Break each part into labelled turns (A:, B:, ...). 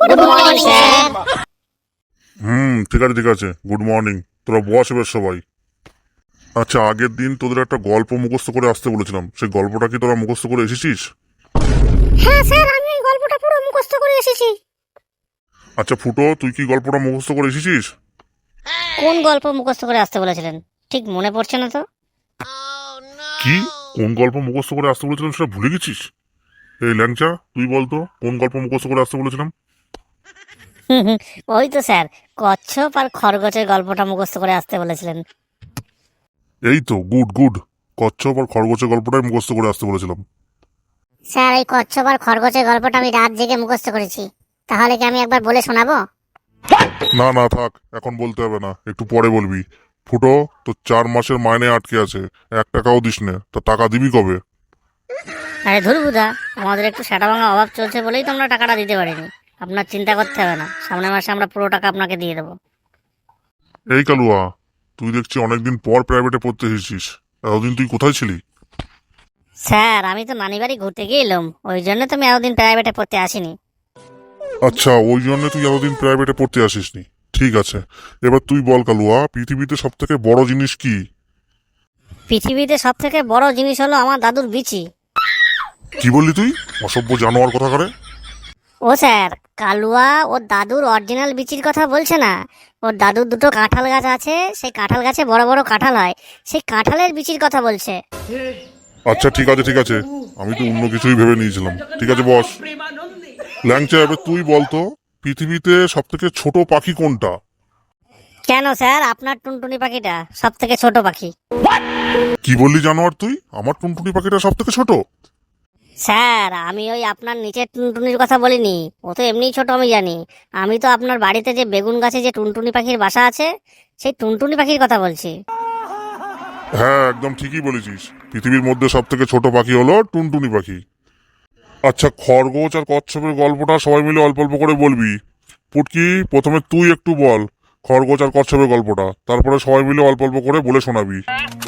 A: Good morning sir.
B: ঠিক আছে ঠিক আছে, গুড মর্নিং। তোরা বস এবার সবাই। আচ্ছা, আগের দিন তোদের একটা গল্প মুখস্থ করে আসতে বলেছিলাম, সেই গল্পটা কি তোরা মুখস্থ করে এসেছিস?
A: হ্যাঁ স্যার, আমি এই গল্পটা পুরো মুখস্থ করে এসেছি।
B: আচ্ছা ফুটো, তুই কি গল্পটা মুখস্থ করে এসেছিস?
A: কোন গল্প মুখস্থ করে আসতে বলেছিলেন ঠিক মনে পড়ছে না তো।
B: কি, কোন গল্প মুখস্থ করে আসতে বলেছিলাম সেটা ভুলে গেছিস? এই ল্যাংচা, তুই বলতো কোন গল্প মুখস্থ করে আসতে বলেছিলাম?
A: ওই তো স্যার, কচ্ছপ আর খরগোশের গল্পটা মুখস্থ করে আসতে বলেছিলেন।
B: এই তো, গুড গুড। কচ্ছপ আর খরগোশের গল্পটাই মুখস্থ করে আসতে বলেছিলাম।
A: স্যার, এই কচ্ছপ আর খরগোশের গল্পটা আমি রাত জেগে মুখস্থ করেছি। তাহলে কি আমি একবার বলে শোনাবো?
B: না না থাক, এখন বলতে হবে না, একটু পরে বলবি। ফুটো, তো 4 মাসের মাইনে আটকে আছে, 1 টাকাও দিস নে, তা টাকা দিবি কবে?
A: আরে ধুরবুদা, আমাদের একটু সেটা ভাঙা অভাব চলছে বলেই তো আমরা টাকাটা দিতে পারিনি। আপনার চিন্তা করতে হবে না, সামনের মাসে আমরা পুরো টাকা আপনাকে দিয়ে দেবো।
B: এই কালুয়া, তুই দেখছি অনেকদিন পর প্রাইভেটে পড়তে এসেছিস। এতদিন তুই কোথায় ছিলি?
A: স্যার, আমি তো নানি বাড়ি ঘুরতে গিয়েলাম, ওই জন্য তো আমি এতদিন প্রাইভেটে পড়তে আসিনি।
B: আচ্ছা, ওই জন্য তুই এতদিন প্রাইভেটে পড়তে আসিসনি। ঠিক আছে, এবার তুই বল কালুয়া, পৃথিবীতে সব থেকে বড় জিনিস কি?
A: পৃথিবীতে সব থেকে বড় জিনিস হলো আমার দাদুর বিচি।
B: কি বললি তুই? অসভ্য জানোয়ার কথা করে।
A: ও স্যার, কালুয়া ওর দাদুর অরিজিনাল বিচির কথা বলছে না। ওর দাদুর দুটো কাঁঠাল গাছ আছে, সেই কাঁঠাল গাছে বড় বড় কাঁঠাল হয়, সেই কাঁঠালের বিচির কথা বলছে।
B: আচ্ছা ঠিক আছে ঠিক আছে, আমি তো অন্য কিছুই ভেবে নিয়েছিলাম। ঠিক আছে বস। ল্যাংচা, এবার তুই বলতো পৃথিবীতে সব থেকে ছোট পাখি কোনটা?
A: কেন স্যার, আপনার টুনটুনি পাখিটা সব থেকে ছোট পাখি।
B: কি বললি জানোয়ার তুই? আমার টুনটুনি পাখিটা সব থেকে ছোট?
A: স্যার, আমি ওই আপনার নিচের টুনটুনির কথা বলিনি, ও তো এমনিই ছোট আমি জানি। আমি তো আপনার বাড়িতে যে বেগুন গাছে যে টুনটুনি পাখির বাসা আছে, সেই টুনটুনি পাখির কথা বলছি।
B: হ্যাঁ, একদম ঠিকই বলেছিস, পৃথিবীর মধ্যে সব থেকে ছোট পাখি হলো টুনটুনি পাখি। আচ্ছা, খরগোশ আর কচ্ছপের গল্পটা সবাই মিলে অল্প অল্প করে বলবি। পুটকি, প্রথমে তুই একটু বল খরগোশ আর কচ্ছপের গল্পটা, তারপরে সবাই মিলে অল্প অল্প করে বলে শোনাবি।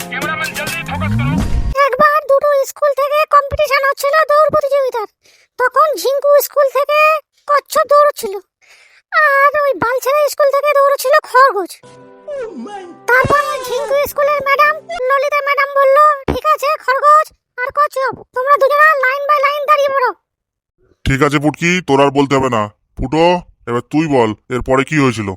A: একবার দুটো স্কুল থেকে কম্পিটিশন হচ্ছিল দৌড় প্রতিযোগিতার। তখন ঝিঙ্কু স্কুল থেকে কচ্ছপ দৌড়চ্ছিল, আর ওই বালছেড়া স্কুল থেকে দৌড়চ্ছিল খরগোশ। তারপর ঝিঙ্কু স্কুলের ম্যাডাম ললিতা ম্যাডাম বলল, ঠিক আছে খরগোশ আর কচ্ছপ, তোমরা দুজনা লাইন বাই লাইন দাঁড়িয়ে পড়ো।
B: ঠিক আছে পুটকি, তোর আর বলতে হবে না। ফুটো, এবার তুই বল এরপরে কি হয়েছিল।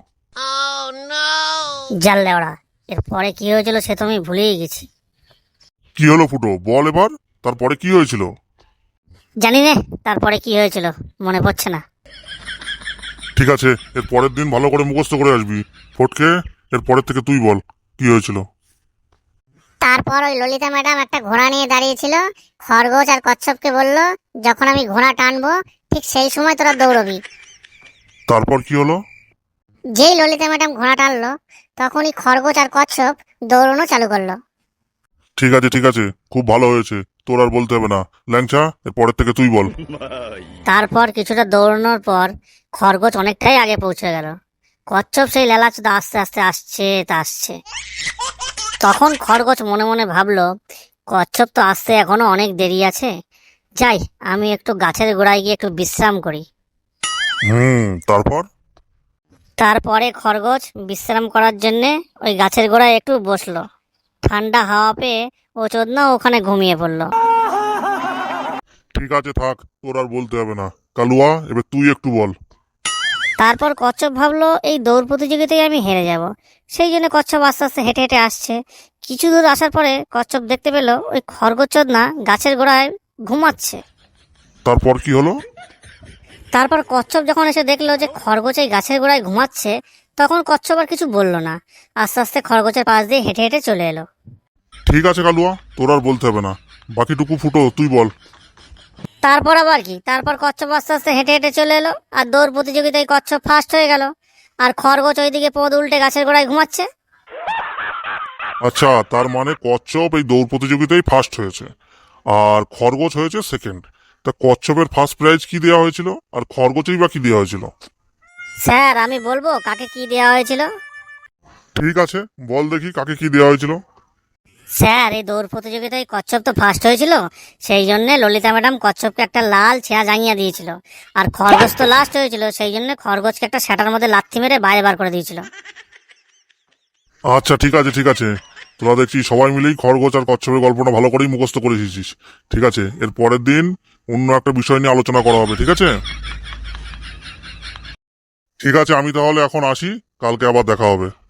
A: জানলে ওরা, এরপরে কি হয়েছিল সে তো আমি ভুলেই গেছি।
B: কি হলো ফুটো, বল এবার, তারপরে কি হয়েছিল?
A: জানি না তারপরে কি হয়েছিল, মনে পড়ছে না।
B: ঠিক আছে, এর পরের দিন ভালো করে মুখস্থ করে আসবি। ফটকে, এর পরের থেকে তুই বল কি হয়েছিল।
A: তারপর ওই ললিতা ম্যাডাম একটা ঘোড়া নিয়ে দাঁড়িয়েছিল, খরগোশ আর কচ্ছপকে বলল, যখন আমি ঘোড়া টানবো ঠিক সেই সময় তোরা দৌড়বি।
B: তারপর কি হলো?
A: যেই ললিতা ম্যাডাম ঘোড়া টানলো, তখনই খরগোশ আর কচ্ছপ দৌড়ানো চালু করলো।
B: ঠিক আছে, খুব ভালো হয়েছে, তোর আর বলতে হবে না। ল্যাংচা, এর পরের থেকে তুই বল।
A: তারপর কিছুটা দৌড়ানোর পর খরগোশ অনেকটাই আগে পৌঁছে গেল। কচ্ছপ সেই লেলাচুদা আস্তে আস্তে আসছে তা আসছে। তখন খরগোশ মনে মনে ভাবলো, কচ্ছপ তো আসতে এখনো অনেক দেরি আছে, যাই আমি একটু গাছের গোড়ায় গিয়ে একটু বিশ্রাম করি।
B: তারপর?
A: তারপরে খরগোশ বিশ্রাম করার জন্যে ওই গাছের গোড়ায় একটু বসলো। ঠান্ডা হাওয়া পেয়ে ও চোদনা ওখানে ঘুমিয়ে পড়লো।
B: ঠিক আছে থাক, তোর আর বলতে হবে না। কালুয়া, এবার তুই একটু বল।
A: তারপর কচ্ছপ ভাবলো এই দৌড় প্রতিযোগিতায় আমি হেরে যাব, সেই জন্য কচ্ছপ আস্তে আস্তে হেঁটে হেঁটে আসছে। কিছু দূর আসার পরে কচ্ছপ দেখতে পেল ওই খরগোশ চোদনা গাছের গোড়ায় ঘুমাচ্ছে।
B: তারপর কি হলো?
A: তারপর কচ্ছপ যখন এসে দেখলো যে খরগোশ এই গাছের গোড়ায় ঘুমাচ্ছে, তখন কচ্ছপ আর কিছু বলল না, আস্তে আস্তে খরগোশের পাশ দিয়ে হেঁটে হেঁটে চলে এলো।
B: ঠিক আছে কালুয়া, তোর আর বলতে হবে না, বাকিটুকু ফুটো তুই বল।
A: তারপর আবার কি, তারপর কচ্ছপ আস্তে আস্তে হেঁটে হেঁটে চলে এলো, আর দৌড় প্রতিযোগিতায় কচ্ছপ ফার্স্ট হয়ে গেল, আর খরগোশ ওইদিকে পদ উল্টে গাছের গোড়ায় ঘুমাচ্ছে।
B: আচ্ছা, তার মানে কচ্ছপ এই দৌড় প্রতিযোগিতায় ফার্স্ট হয়েছে, আর খরগোশ হয়েছে সেকেন্ড। তা কচ্ছপের ফার্স্ট প্রাইজ কি দেওয়া হয়েছিল, আর খরগোশেই বা কি দেওয়া হয়েছিল?
A: স্যার, আমি বলবো কাকে কি দেওয়া হয়েছিল?
B: ঠিক আছে, বল দেখি কাকে কি দেওয়া হয়েছিল।
A: স্যার এই দৌড় প্রতিযোগিতায় কচ্ছপ তো ফার্স্ট হয়েছিল, সেই জন্য ললিতা ম্যাডাম কচ্ছপকে একটা লাল ছেঁড়া জাঙিয়া দিয়েছিল। আর খরগোশ তো লাস্ট হয়েছিল, সেই জন্য খরগোশকে একটা সেটার মধ্যে লাথি মেরে বাইরে বার করে দিয়েছিল।
B: আচ্ছা ঠিক আছে ঠিক আছে, তোরা দেখছি সবাই মিলেই খরগোশ আর কচ্ছপের গল্পটা ভালো করেই মুখস্থ করে এসেছিস। ঠিক আছে, এর পরের দিন অন্য একটা বিষয় নিয়ে আলোচনা করা হবে, ঠিক আছে? ঠিক আছে, আমি তাহলে এখন আসি, কালকে আবার দেখা হবে।